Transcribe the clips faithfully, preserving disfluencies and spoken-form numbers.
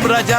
ఏం రాజా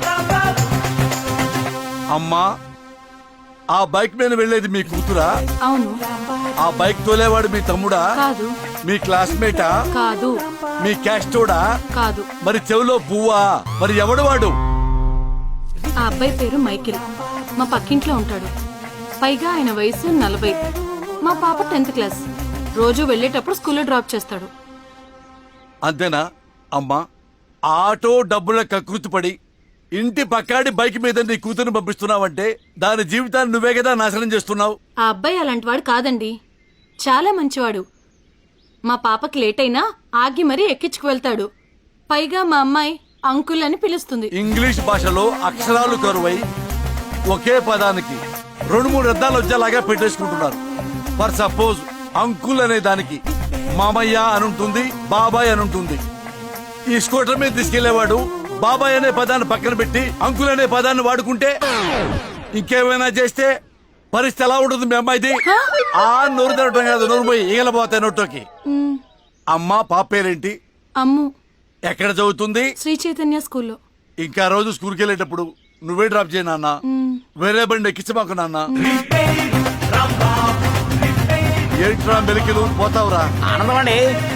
అమ్మా, ఆ బైక్ మీద వెళ్ళేది మీ కూతురా? అవును. ఆ బైక్ తోలేవాడు మీ తమ్ముడా? కాదు. మీ క్లాస్మేటా? కాదు. మీ క్యాస్టోడా? కాదు. మరి చెవిలో పువ్వా? మరి ఎవడు వాడు? ఆ అబ్బాయి పేరు మైకిల్. మా పక్కింట్లో ఉంటాడు. పైగా ఆయన వయసు నలభై. మా పాప టెన్త్ క్లాస్. రోజు వెళ్ళేటప్పుడు స్కూల్లో డ్రాప్ చేస్తాడు. అంతేనా అమ్మా? ఆటో డబ్బుల కకృతి పడి ఇంటి పక్కాడి బైక్ మీద నీ కూతురుని పంపిస్తున్నావంటే దాని జీవితాన్ని నువ్వే కదా నాశనం చేస్తున్నావు. ఆ అబ్బాయి అలాంటి వాడు కాదండి, చాలా మంచివాడు. మా పాపకి లేట్ అయినా ఆగి మరీ ఎక్కించుకు వెళ్తాడు. పైగా మా అమ్మాయి అంకుల్ అని పిలుస్తుంది. ఇంగ్లీష్ భాషలో అక్షరాలు కరువై ఒకే పదానికి రెండు మూడు అర్థాలు వచ్చేలాగా పెట్టేసుకుంటున్నారు. ఫర్ సపోజ్ అంకుల్ అనే దానికి మామయ్య అనుంటుంది, బాబాయ్ అనుంటుంది. ఈ స్కూటర్ మీద తీసుకెళ్లేవాడు బాబాయ్ అనే పదాన్ని పక్కన పెట్టి అంకుల్ అనే పదాన్ని వాడుకుంటే ఇంకేమైనా చేస్తే పరిస్థితి ఎలా ఉంటుంది మీ అమ్మాయిది? ఆ నోరు తినటం కాదు, నోరు పోయి ఈగలపోతాయి నోట్లోకి. అమ్మా, పాప పేరేంటి? అమ్ము. ఎక్కడ చదువుతుంది? శ్రీ చైతన్య స్కూల్లో. ఇంకా రోజు స్కూల్కి వెళ్ళేటప్పుడు నువ్వే డ్రాప్ చేయి నాన్న, వేరే బండి ఎక్కించమాకు నాన్న. ఏంట్రా మెలికలు పోతావురా? ఆనందం అండి.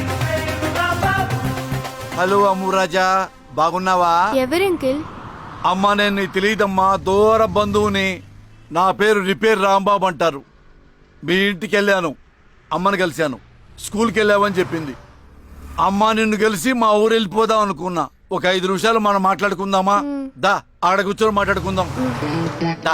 హలో అమ్ము రాజా, బాగున్నావా? ఎవరంకిల్? అమ్మా, నేను నీకు తెలియదమ్మా, దూర బంధువుని. నా పేరు రిపేర్ రాంబాబు అంటారు. మీ ఇంటికి వెళ్ళాను, అమ్మని కలిశాను. స్కూల్కి వెళ్ళావని చెప్పింది. అమ్మా, నిన్ను కలిసి మా ఊరు వెళ్ళిపోదాం అనుకున్నా. ఒక ఐదు నిమిషాలు మనం మాట్లాడుకుందామా? దా, ఆడ కూర్చొని మాట్లాడుకుందాం. దా.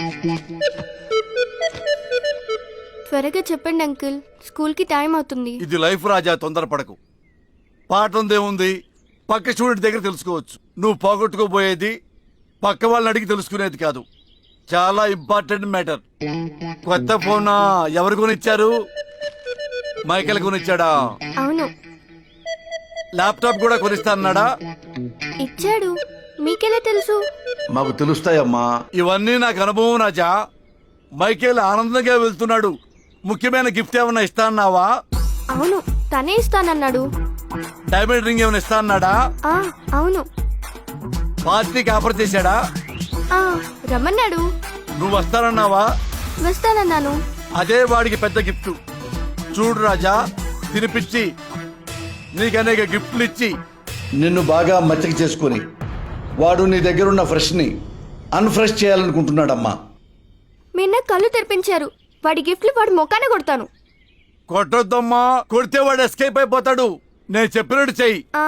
త్వరగా చెప్పండి అంకుల్, స్కూల్ కి టైం అవుతుంది. ఇది లైఫ్ రాజా, తొందరపడకు. పాఠం దేముంది, పక్క స్టూడెంట్ దగ్గర తెలుసుకోవచ్చు. నువ్వు పోగొట్టుకోబోయేది పక్క వాళ్ళని అడిగి తెలుసుకునేది కాదు. చాలా ఇంపార్టెంట్ మ్యాటర్. కొత్త ఫోన్ ఎవరు కొనిచ్చారు? మైకేల్ కొనిచ్చాడా? అవును. ల్యాప్టాప్ కూడా కొనిస్తా అన్నాడా? ఇచ్చాడు. మీకెలా తెలుసు? మాకు తెలుస్తాయమ్మా, ఇవన్నీ నాకు అనుభవం రాజా. మైకేల్ ఆనందంగా వెళ్తున్నాడు. ముఖ్యమైన గిఫ్ట్ ఏమన్నా ఇస్తా అన్నావా? అవును, తనే ఇస్తానన్నాడు. డైమండ్ రింగ్ ఏమైనా ఇస్తా అన్నాడా? ఆ, అవును. పార్టీకి ఆఫర్ చేశాడా? ఆ, రమ్మన్నాడు. నువ్వు వస్తానన్నావా? వస్తానన్నాను. అదే వాడికి పెద్ద గిఫ్ట్. చూడు రాజా, తినిపించి నీకు అనేక గిఫ్ట్లు ఇచ్చి నిన్ను బాగా మచ్చక చేసుకుని వాడు నీ దగ్గరున్న ఫ్రెష్ ని అన్ఫ్రెష్ చేయాలనుకుంటున్నాడమ్మా. మీరు నాకు కళ్ళు తెరిపించారు. వాడి గిఫ్ట్లు వాడి మొక్కానే కొడతాను. కొట్టొద్దమ్మా, కొడితే వాడు ఎస్కేప్ అయిపోతాడు. నేను చెప్పినట్టు చెయ్యి. ఆ,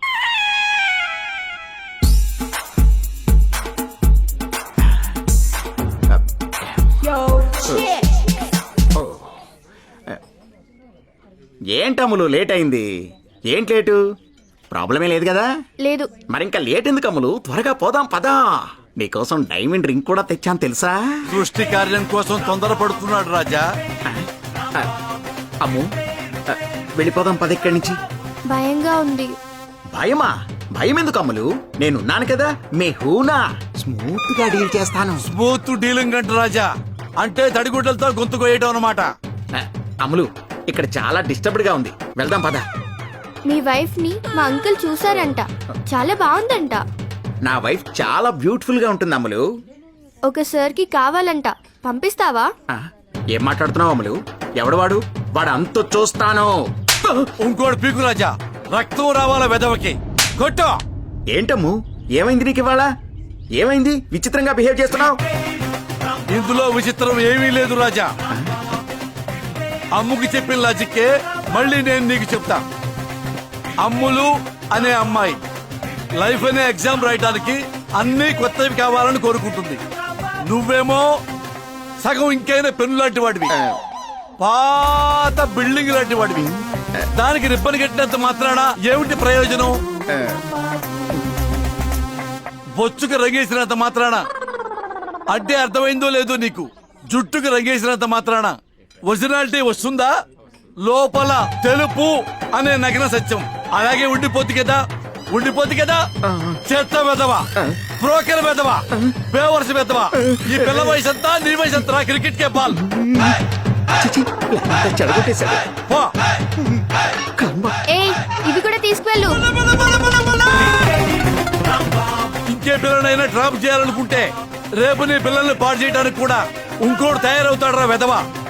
ఏంటమ్ములు లేట్ అయింది? ఏంటి లేటు? ప్రాబ్లమే లేదు కదా? లేదు. మరి ఇంకా లేట్ ఎందుకు అమ్ములు? త్వరగా పోదాం పదా. నీకోసం డైమండ్ రింగ్ కూడా తెచ్చాను తెలుసా? సృష్టి కార్యం కోసం తొందరపడుతున్నాడు రాజా. అమ్ము, వెళ్ళిపోదాం పద ఇక్కడి నుంచి. భయంగా ఉంది. భయమా? భయం ఎందుకు అమ్ములు? నేనున్నాను కదా, మీ హూనా. స్మూత్ గా డీల్ చేస్తాను. స్మూత్ డీలింగ్ అంట రాజా, అంటే తడిగుడ్డలతో గొంతు కోయటం అన్నమాట. అమ్ములు, ఇక్కడ చాలా డిస్టర్బ్డ్ గా ఉంది, వెళ్దాం పద. మీ వైఫ్ ని మా అంకుల్ చూసారంట, చాలా బాగుందంట. నా వైఫ్ చాలా బ్యూటిఫుల్ గా ఉంటుంది అమ్ములు. ఒక సార్ కి కావాలంట, పంపిస్తావా? ఆ, ఏం మాట్లాడుతున్నావు అమ్ములు? ఎవడు వాడు? వాడు అంత చూస్తాను. ఇంకోటి పీకు రాజా, రక్తం రావాల వెదవకి. కొట్టు. ఏంటమ్ము, ఏమైంది నీకు ఇవాళ? ఏమైంది? విచిత్రంగా బిహేవ్ చేస్తున్నావు. ఇందులో విచిత్రం ఏమీ లేదు రాజా. అమ్ముకి చెప్పిన లాజిక్కే మళ్ళీ నేను నీకు చెప్తా. అమ్ములు అనే అమ్మాయి లైఫ్ అనే ఎగ్జామ్ రాయడానికి అన్ని కొత్తవి కావాలని కోరుకుంటుంది. నువ్వేమో సగం ఇంకైనా పెన్ను లాంటి వాడివి, పాత బిల్డింగ్ లాంటి వాడివి. దానికి రిబ్బన్ కట్టినంత మాత్రాన ఏమిటి ప్రయోజనం? బొచ్చుకు రంగేసినంత మాత్రాన అంటే అర్థమైందో లేదో నీకు, జుట్టుకు రంగేసినంత మాత్రాన ఒరిజినాలిటీ వస్తుందా? లోపల తెలుపు అనే నగ్న సత్యం అలాగే ఉండిపోద్ది కదా, ఉండిపోద్ది కదా. చెత్త వెదవా, బ్రోకర్ వెదవా, బేవర్స్ వెదవా. ఈ పిల్ల వయసు అంతా నీ వయసు అంతా క్రికెట్ కే బాల్. ఏయ్, ఇవి కూడా తీసుకువెళ్ళు. ఒకే పిల్లనైనా డ్రాప్ చేయాలనుకుంటే రేపు నీ పిల్లల్ని పాడు చేయడానికి కూడా ఇంకోటి తయారవుతాడరా వెధవా